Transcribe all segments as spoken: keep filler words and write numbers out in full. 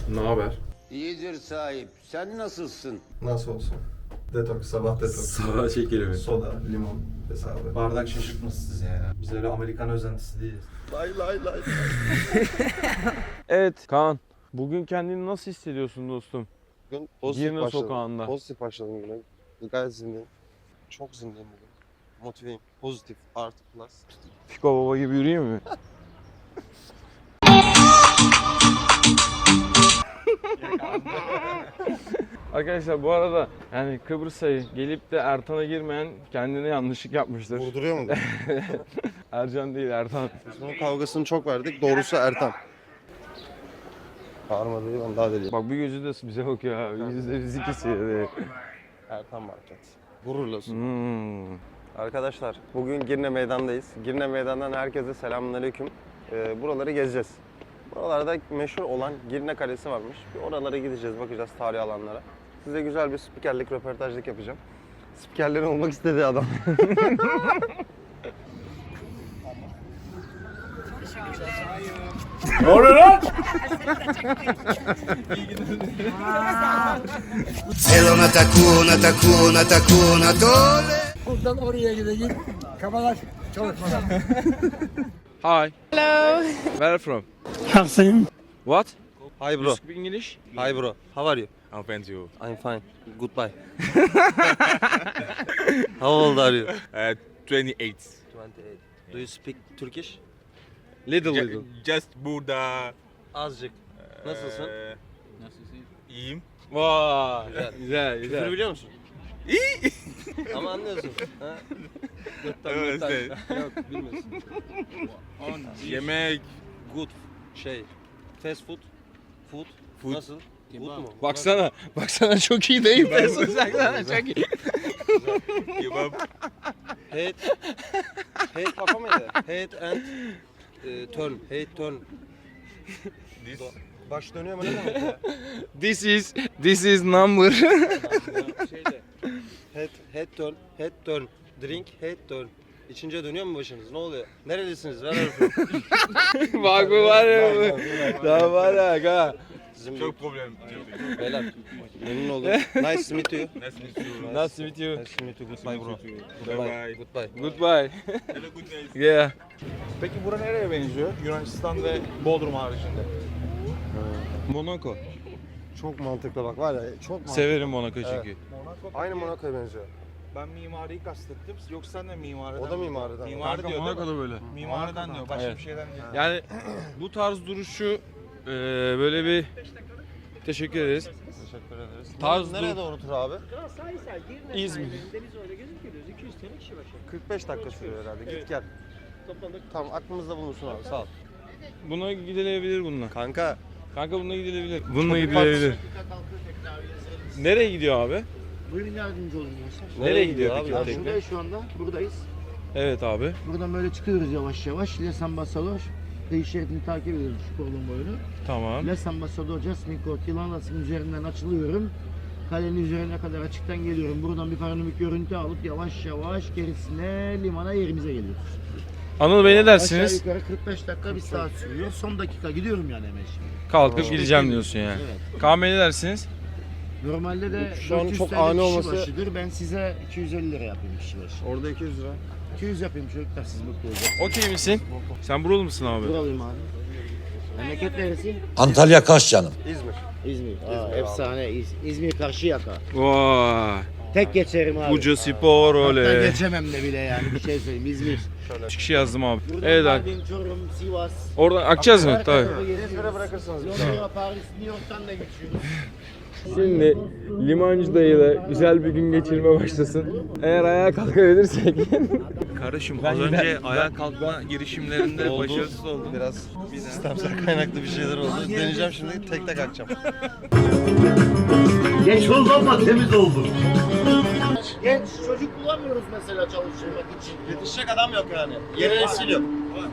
Ne haber? İyidir sahip. Sen nasılsın? Nasıl olsun? Detoks, sabah detoks. Sabah çekelim. Soda, limon hesabı. Bardak şaşırtması siz yani. Biz öyle Amerikan özentisi değiliz. Lay lay lay. Evet Kaan, bugün kendini nasıl hissediyorsun dostum? Bugün pozitif Girne başladım. sokağında. Pozitif başladım güne. Gayet zindeyim. Çok zindeyim bugün. Motiveyim. Pozitif. Artı plus. Fiko baba gibi yürüyeyim mi? Arkadaşlar bu arada yani Kıbrıs'a gelip de Ertan'a girmeyen kendine yanlışlık yapmıştır. Vurduruyor mu? Ercan değil Ertan. Biz bunun kavgasını çok verdik. Doğrusu Ertan. Bağırma değil, ben daha deliyim. Bak bir gözü de bize bakıyor abi. Yüzü de biz ikisi. de. Ertan Market. Gururlasın. Hmm. Arkadaşlar bugün Girne Meydan'dayız. Girne Meydan'dan herkese selamünaleyküm. Ee, buraları gezeceğiz. Buralarda meşhur olan Girne Kalesi varmış. Bir oralara gideceğiz, bakacağız tarihi alanlara. Size güzel bir spikerlik, röportajlık yapacağım. Spikerlerin olmak istediği adam. Ne oluyor lan? Elona takuna takuna takuna tole. Buradan oraya gidecek. Kafalar çalışmadan. Hi. Hello. Where are you from? Haksın. What? Hi bro. You speak English? Hi bro. How are you? I'm fine too. I'm fine. Goodbye. How old are you? Uh, twenty-eight. twenty-eight. Do you speak Turkish? Little little. Just burada. Azıcık. Nasılsın? Eee, İyiyim. Vay. Güzel. Güzel Küfür güzel. biliyor musun? İyi. Ama anlıyorsun. Ha? Gırttan Evet, gırttan. evet. Yok bilmiyorsun. Yemek. Good şey. Fast food. Food. Food. Nasıl? Good mu? Baksana. Baksana çok iyi değil mi? Baksana çok iyi. Kebap. Head. Head kafa mıydı? Head and e, turn. Head turn. This. Baş dönüyor mu ne demek ya? This is this is number. Şeyde. Head, head turn. Head turn. Drink. Head turn. İçince dönüyor mu başınız? Ne oluyor? Nerelisiniz? Ver harfi. Bak bu var ya bu. Daha var ya ha. Sizin Çok problem. bir beyler. Memnun oldum. Nice to meet you. Nice to meet you. Nice to meet you. Nice to meet you. Goodbye bro. Bye bye. Goodbye. Goodbye. Hello, good night. Yeah. Peki bura nereye benziyor? Yunanistan ve Bodrum haricinde. Monaco. Çok mantıklı bak var ya. Çok mantıklı. Severim Monaco çünkü. Monaco. Aynı Monaco'ya benziyor. Ben mimariyi kastettim. Yoksa sen de mimariden O da mi? mimariden. Mimari Kanka diyor değil mi? Monaco'da böyle. Mimariden diyor. Başka Evet. bir şeyden değil. Yani bu tarz duruşu e, böyle bir teşekkür ederiz. Teşekkür ederiz. Tarz Nereye dur- doğru tur abi? İzmir. kırk beş dakika sürüyor herhalde. Git gel. Tamam aklımızda bulunsun abi sağ ol. Buna gidilebilir bununla. Kanka Kanka bununla gidilebilir. Bununla gidilebilir. Nereye gidiyor abi? Buyurun yardımcı olun gençler. Nereye gidiyor abi? peki? Ya tekne? Şuradayız şu anda. Buradayız. Evet abi. Buradan böyle çıkıyoruz yavaş yavaş. Les Ambasador. Kıyı şeridini takip ediyoruz şu kolun boyunu. Tamam. Les Ambasador Jasmine Court Yılanlası'nın üzerinden açılıyorum. Kalenin üzerine kadar açıktan geliyorum. Buradan bir panoramik görüntü alıp yavaş yavaş gerisine limana yerimize geliyoruz. Anıl Bey ne Aşağı dersiniz? yukarı kırk beş dakika bir saat sürüyor. Son dakika gidiyorum yani hemen şimdi. Kalkıp gideceğim diyorsun yani. Evet. Kaan Bey ne dersiniz? Normalde de Şu an dört yüz çok T L ani kişi olması- başıdır. Ben size iki yüz elli lira yapayım kişi başı. orada iki yüz lira. iki yüz yapayım çocuklar siz mutlu olacaksınız. Okey misin? Sen buralı mısın abi? Buralıyım abi. Memleket neresi? Antalya Kaş canım. İzmir. İzmir. Aa, İzmir abi. efsane. İz- İzmir Karşıyaka. Vay. Tek geçerim abi. Buca spor Hatta oley. geçemem de bile yani bir şey söyleyeyim. İzmir. Üç kişi yazdım abi. Buradan Evet abi. Mardin, Çorum, Sivas. Oradan akacağız mı? Her Tabii. tarafa geliyoruz. İzmir'e bırakırsanız. Londra, Paris, New York'tan da geçiyoruz. Şimdi limancı dayıyla güzel bir gün geçirme başlasın. Eğer ayağa kalkabilirsek. Kardeşim Ben az gider- önce ayağa kalkma girişimlerinde Oldu. başarısız oldum. Biraz sistemsel kaynaklı bir şeyler oldu. Deneyeceğim şimdi tek tek akacağım. Geç oldu ama temiz oldu. Genç çocuk bulamıyoruz mesela çalıştırmak için. Yetişecek adam yok yani. Yeni nesil yok.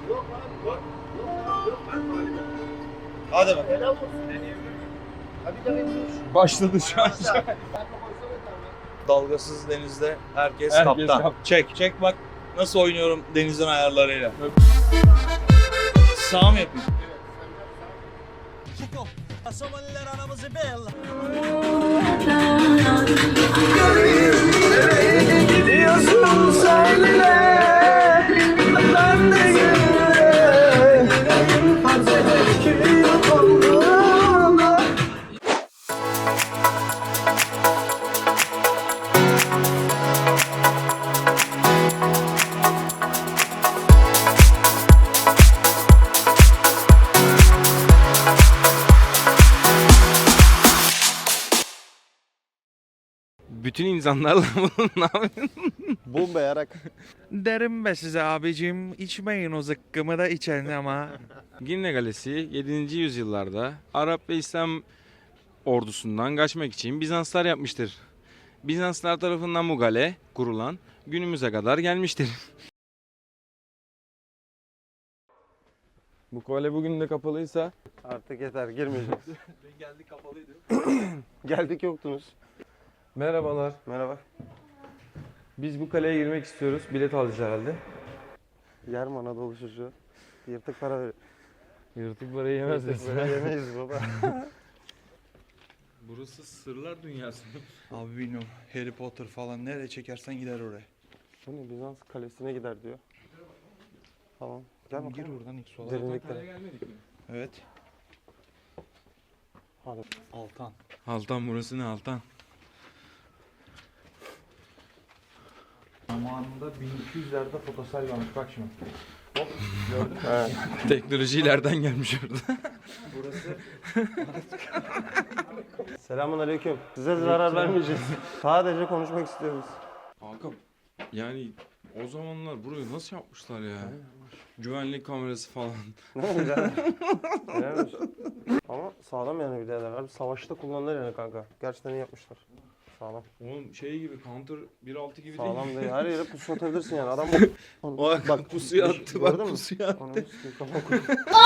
Hadi bak. Helal olsun. Hadi de bekliyoruz. Başladı şu an. Dalgasız denizde herkes, Herkes kaptan. kap- Çek, çek bak nasıl oynuyorum denizin ayarlarıyla. Sağ mı yapayım? Bütün insanlarla bunu ne yapıyorsun? Bomba yarak. Derim be size abicim, içmeyin o zıkkımı da içen ama. Girne Kalesi yedinci yüzyıllarda Arap ve İslam ordusundan kaçmak için Bizanslar yapmıştır. Bizanslar tarafından bu kale kurulan günümüze kadar gelmiştir. Bu kale bugün de kapalıysa Artık yeter girmeyeceğiz. Geldik kapalıydı. Geldik yoktunuz. merhabalar. Merhaba. Biz bu kaleye girmek istiyoruz. Bilet alacağız herhalde. Yer mi Anadolu çocuğu? Yırtık para ver. Yırtık parayı yemez Yırtık para yemeyiz baba. Burası sırlar dünyası. Abi bilmiyorum, Harry Potter falan nereye çekersen gider oraya. Bu ne Bizans kalesine gider diyor. Tamam. Gel Gir bakalım. buradan ilk sola. Derinliklere. gelmedik mi? Evet. Hadi. Altan. Altan burası ne Altan? Zamanında bin iki yüzlerde fotosel varmış, bak şimdi. Evet. Teknoloji ileriden gelmiş orada. Selamun aleyküm. Size zarar vermeyeceğiz. Sadece konuşmak istiyoruz. Kanka yani o zamanlar burayı nasıl yapmışlar ya? Güvenlik kamerası falan. Ne güzel. Helal olsun. Ama sağlam yani birader. Abi savaşta kullanılır yani kanka. Gerçekten iyi yapmışlar. Sağlam. Oğlum şey gibi Counter bir altı gibi Sağlam değil. değil. Her yere pusu atabilirsin yani. Adam Bak pusuya bir- attı bak gördün mü? pusuya attı. Ananı sikeyim, kafam koydu.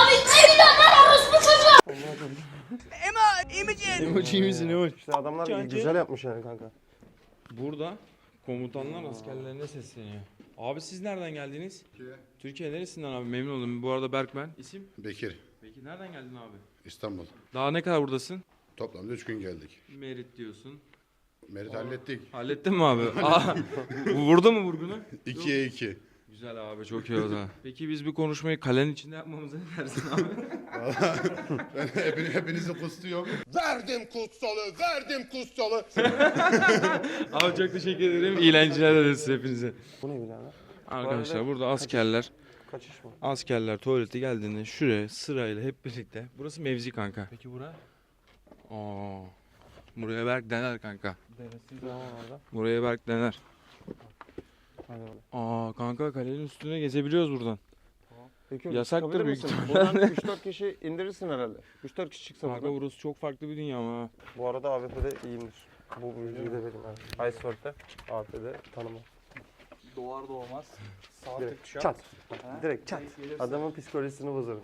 Emoji misin emoji? İşte adamlar güzel yapmış yani kanka. Burada komutanlar askerlerine sesleniyor. Abi siz nereden geldiniz? Türkiye. Türkiye neresinden abi? Memnun oldum. Bu arada Berk ben. İsim? Bekir, Peki nereden geldin abi? İstanbul. Daha ne kadar buradasın? Toplamda üç gün geldik. Merit diyorsun. Merit hallettik. Hallettin mi abi? Aa, bu vurdu mu vurgunu? ikiye iki. Güzel abi çok iyi oldu. Peki biz bir konuşmayı kalenin içinde yapmamıza ne dersin abi? Ben hepini, hepinizi kustuyorum. Verdim kutsalı, verdim kutsalı. Abi çok teşekkür ederim. İyi eğlenceler dileriz hepinize. Bu ne birader? Arkadaşlar arada burada askerler, Kaçış mı? askerler tuvalete geldiğinde şuraya sırayla hep birlikte. Burası mevzi kanka. Peki bura? Aa, buraya Berk dener kanka. Ne var orada? Buraya Berk dener. Hadi bakalım. Aa kanka kalenin üstüne gezebiliyoruz buradan. Peki, Yasaktır çıkabilir büyük misin? ihtimalle. Buradan üç dört kişi indirirsin herhalde. üç dört kişi çıksa Kanka buradan. burası çok farklı bir dünya ama. Bu arada A W P'de iyiyimdir. Bu bilgiyi de vereyim yani. Iceberg'de A W P'de tanımam. Doğar doğmaz. Sağ Direkt tık çat. çat. Direkt çat. Adamın psikolojisini bozarım.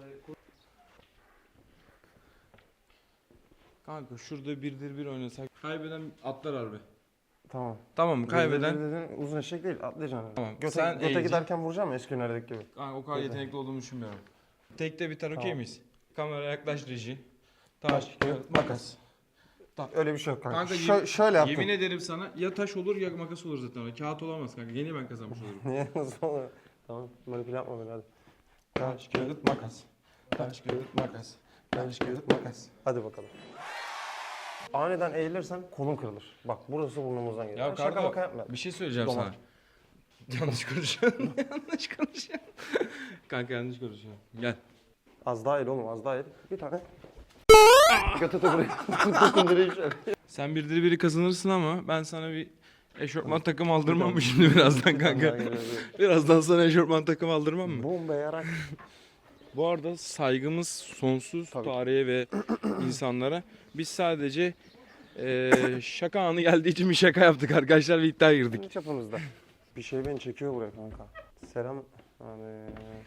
Kanka şurada birdir bir oynasak. Kaybeden atlar harbi. Tamam. Tamam mı? Kaybeden. Dediğin uzun eşek değil, atlayacaksın. Tamam, Göte, sen göte eğileceksin. giderken vuracağım mı eski günlerdeki gibi? Kanka o kadar yetenekli olduğumu düşünmüyorum. Tekte biter okey Tamam. miyiz? Kamera yaklaş reji. Taş, kağıt, makas. Öyle bir şey yok kanka. Kanka Şö- yemin- şöyle yaptım. Yemin ederim sana ya taş olur ya makas olur zaten. Kağıt olamaz kanka. Gene ben kazanmış olurum. Niye nasıl olur? Tamam, manipüle yapma beni hadi. Taş, kağıt, makas. Taş, kağıt, makas. Taş, kağıt, makas. Hadi bakalım. Aniden eğilirsen kolun kırılır. Bak burası burnumuzdan geliyor. Ya Ben şaka kanka maka yapma. bir şey söyleyeceğim Dolar. sana. Yanlış konuşuyorsun. yanlış konuşuyorsun. Kanka yanlış konuşuyorsun. Gel. Az daha eğil oğlum az daha eğil. Bir tane. Götü de buraya. Dokundurayım şöyle. Sen birdir biri kazanırsın ama ben sana bir eşofman takım aldırmam mı şimdi birazdan kanka? Birazdan sana eşofman takım aldırmam mı? Bomba yarak. Bu arada saygımız sonsuz Tabii. tarihe ve insanlara. Biz sadece eee, şaka anı geldiği için bir şaka yaptık arkadaşlar ve iddiaya girdik. Kendi çapımızda. Bir şey beni çekiyor buraya kanka. Selam. Hani...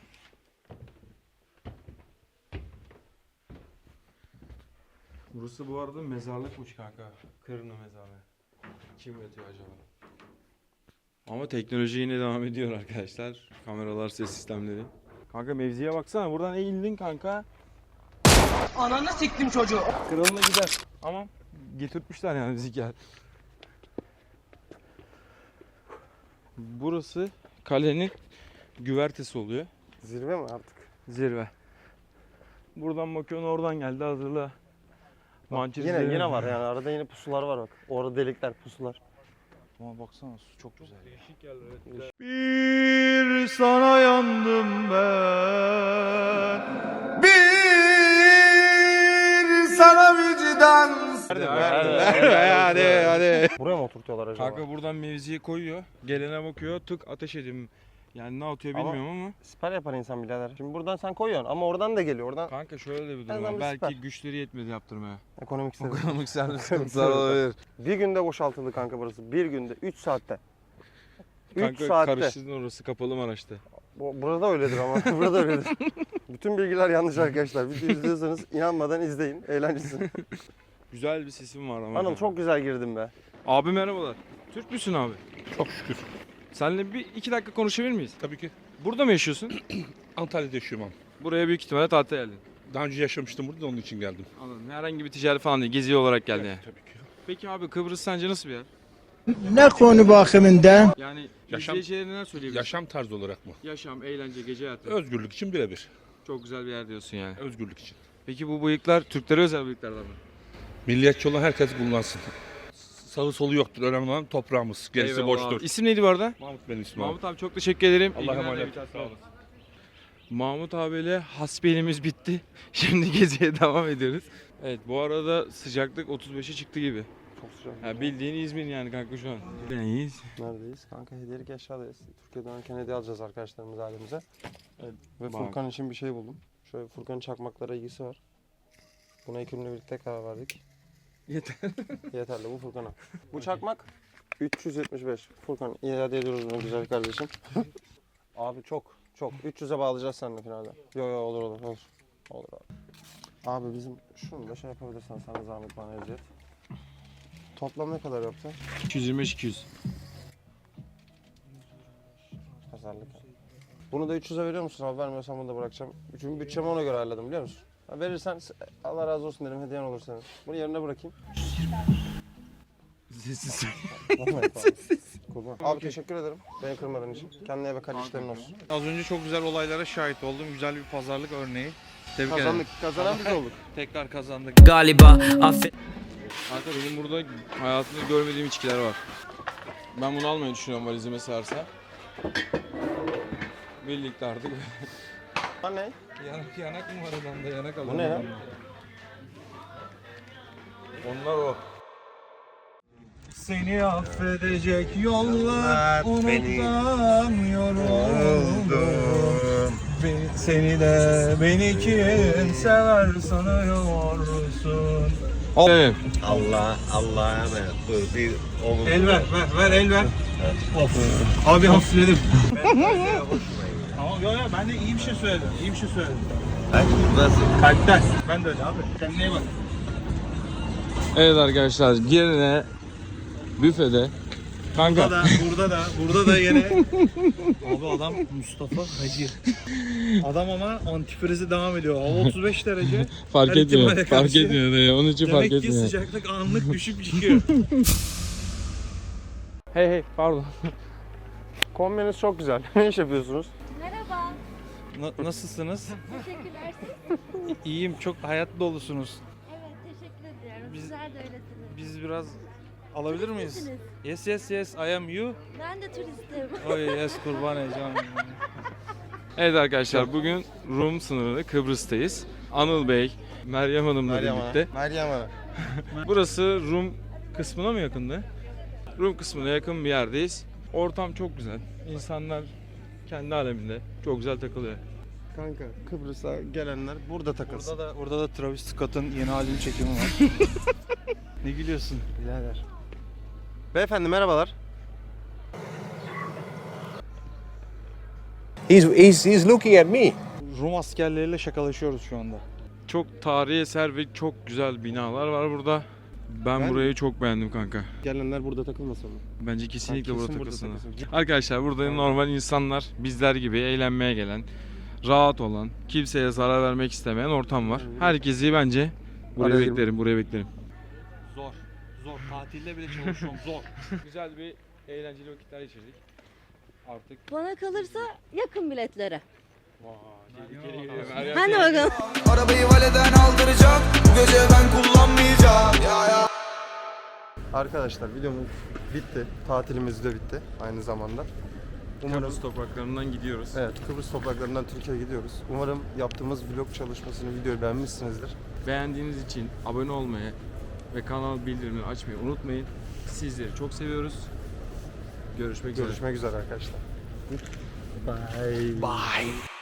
Burası bu arada mezarlıkmış kanka. Kırını mezarlığı. Kim yatıyor acaba? Ama teknoloji yine devam ediyor arkadaşlar. Kameralar, ses sistemleri. Kanka mevziye baksana. Buradan eğildin kanka. Ananı siktim çocuğu. Kralına gider. Ama getirtmişler yani bizi gel. Burası kalenin güvertesi oluyor. Zirve mi artık? Zirve. Buradan bakıyorsun, oradan geldi, hazırla. Mançur Yine zirve. yine var yani arada yine pusular var bak. Orada delikler, pusular. Ama baksana su çok güzel ya. Bir sana yandım ben. Bir sana vicdan. Hadi hadi hadi. Buraya mı oturtuyorlar acaba? Kanka buradan mevziye koyuyor. Gelene bakıyor, tık ateş edeyim. Yani ne atıyor Ama- bilmiyorum ama. Siper yapar insan birader. Şimdi buradan sen koyuyorsun ama oradan da geliyor. Oradan Kanka şöyle de bir En durum azından var. bir Belki süper. güçleri yetmedi yaptırmaya. ekonomik sıkıntı. Ekonomik servis sıkıntılar olabilir. Bir günde boşaltıldı kanka burası. Bir günde. üç saatte. üç Kanka saatte. karıştırdın, orası kapalı Maraş'ta. Bu- Burada öyledir ama. Burada öyledir. Bütün bilgiler yanlış arkadaşlar. Videoyu izliyorsanız inanmadan izleyin. Eğlencesi. Güzel bir sesim var ama. Anıl çok güzel girdin be. Abi merhabalar. Türk müsün abi? Çok şükür. Seninle bir iki dakika konuşabilir miyiz? Tabii ki. Burada mı yaşıyorsun? Antalya'da yaşıyorum abi. Buraya büyük ihtimalle tatile geldin. Daha önce yaşamıştım burada da onun için geldim. Anladım. Herhangi bir ticari falan değil. Gezi olarak geldin yani. Tabii ki. Peki abi, Kıbrıs sence nasıl bir yer? Ne konu bakımından? Yani Yaşam- izleyicilere neler söyleyebilirsin? Yaşam tarzı olarak mı? Yaşam, eğlence, gece hayatı. Özgürlük için birebir. Çok güzel bir yer diyorsun yani. Özgürlük için. Peki bu bıyıklar Türklere özel bıyıklardan mı? Milliyetçi olan herkes kullansın. Sağı solu yoktur. Önemli olan toprağımız. Gerisi Eyvallah boştur. abi. İsim neydi bu arada? Mahmut benim ismim abi. Mahmut abi çok teşekkür ederim. İyi Allah'a günler emanet. de. Sağ olasın. Mahmut abiyle hasbelimiz bitti. Şimdi geziye devam ediyoruz. Evet, bu arada sıcaklık otuz beşe çıktı gibi. Çok sıcak. Ya bildiğin İzmir yani kanka şu an. İyiyiz. Neredeyiz? Kanka hediyelik eşyadayız. Türkiye'den dönerken hediye alacağız arkadaşlarımız ailemize. Evet, Ve bak. Furkan için bir şey buldum. Şöyle Furkan'ın çakmaklara ilgisi var. Buna ekibimle birlikte karar verdik. Yeter. Yeterli bu Furkan'a. Bu çakmak üç yüz yetmiş beş. Furkan iade ediyoruz bunu güzel kardeşim. Abi çok çok. üç yüze bağlayacağız seninle finalde. Yo yo olur olur olur. Olur abi. Abi bizim şunu da şey yapabilirsen sana zahmet bana eziyet. Toplam ne kadar yaptı? iki yüz yirmi beş iki yüz. Pazarlık. Bunu da üç yüze veriyor musun abi? Vermiyorsan bunu da bırakacağım. Çünkü bütçemi ona göre ayarladım biliyor musun? Ha, verirsen Allah razı olsun derim, hediyen olur senin. Bunu yerine bırakayım. Sessiz. Kurban. Abi teşekkür ederim beni kırmadığın için. Kendine ve kardeşlerin olsun. Az önce çok güzel olaylara şahit oldum. Güzel bir pazarlık örneği. Tebrik ederim. Kazandık. Kazanan biz olduk. Tekrar kazandık. Galiba affet. Kanka benim burada hayatımda görmediğim içkiler var. Ben bunu almayı düşünüyorum valizime sığarsa. Birlikte artık. Ha ne? Yanak yanak mı var adamda? Yanak Bu ne ya? Onlar o. Seni affedecek yollar unutamıyorum. Beni, seni de beni kim sever sanıyorsun. Evet. Allah Allah'a emanet. Dur bir omuz. El ver, ver, ver, el ver. Of. Abi hafifledim. Tamam, yo yo ben de iyi bir şey söyledim. İyi bir şey söyledim. Nasıl? Kalpten. Ben de öyle abi. Kendine iyi bak. Evet arkadaşlar, yerine büfede. Kanka. Burada da, burada da, burada da yine. Abi adam Mustafa Hacı. Adam ama antifrizi devam ediyor. Hava otuz beş derece. Fark Her etmiyor. ihtimale Fark karşı. etmiyor. Dayı. Onun için fark Demek ki etmiyor. sıcaklık anlık düşüp çıkıyor. Hey hey pardon. Kombiniz çok güzel. Ne iş yapıyorsunuz? Merhaba, Na- nasılsınız? teşekkürler. İyiyim. Çok hayat dolusunuz. Evet, teşekkür ediyorum. Biz- Sizler de öylesiniz. Biz biraz alabilir miyiz? Turistsiniz. Yes yes yes I am you. Ben de turistim. Oh yes kurban heyecanım. Evet arkadaşlar, bugün Rum sınırında Kıbrıs'tayız. Anıl Bey, Meryem Hanım'la Meryem birlikte. Ana. Meryem Ana. Burası Rum kısmına mı yakındı? Rum kısmına yakın bir yerdeyiz. Ortam çok güzel. İnsanlar kendi aleminde çok güzel takılıyor. Kanka Kıbrıs'a gelenler burada takılsın. Burada da burada da Travis Scott'ın yeni albüm çekimi var. Ne gülüyorsun? Birader. Beyefendi merhabalar. He's, he's, he's looking at me. Rum askerleriyle şakalaşıyoruz şu anda. Çok tarihi eser ve çok güzel binalar var burada. Ben, Ben- burayı çok beğendim kanka. Gelenler burada takılmasın mı? Bence kesinlikle Ha, kesin burada burada takılsınlar. takılsın. Arkadaşlar burada normal insanlar bizler gibi eğlenmeye gelen, rahat olan, kimseye zarar vermek istemeyen ortam var. Herkesi bence buraya Araya beklerim, buraya beklerim. Zor. Zor. Tatilde bile çalışıyorum. Zor. Güzel bir eğlenceli vakitler geçirdik. Artık Bana kalırsa yakın biletlere. Hadi Hadi bakalım. Arabayı valeden aldıracağım. Bu gece ben kullanmayacağım. Ya ya. Arkadaşlar videomuz bitti. Tatilimiz de bitti aynı zamanda. Umarım Kıbrıs topraklarından gidiyoruz. Evet, Kıbrıs topraklarından Türkiye'ye gidiyoruz. Umarım yaptığımız vlog çalışmasını, videoyu beğenmişsinizdir. Beğendiğiniz için abone olmayı ve kanal bildirimleri açmayı unutmayın. Sizleri çok seviyoruz. Görüşmek üzere. Görüşmek üzere arkadaşlar. Bye. Bye.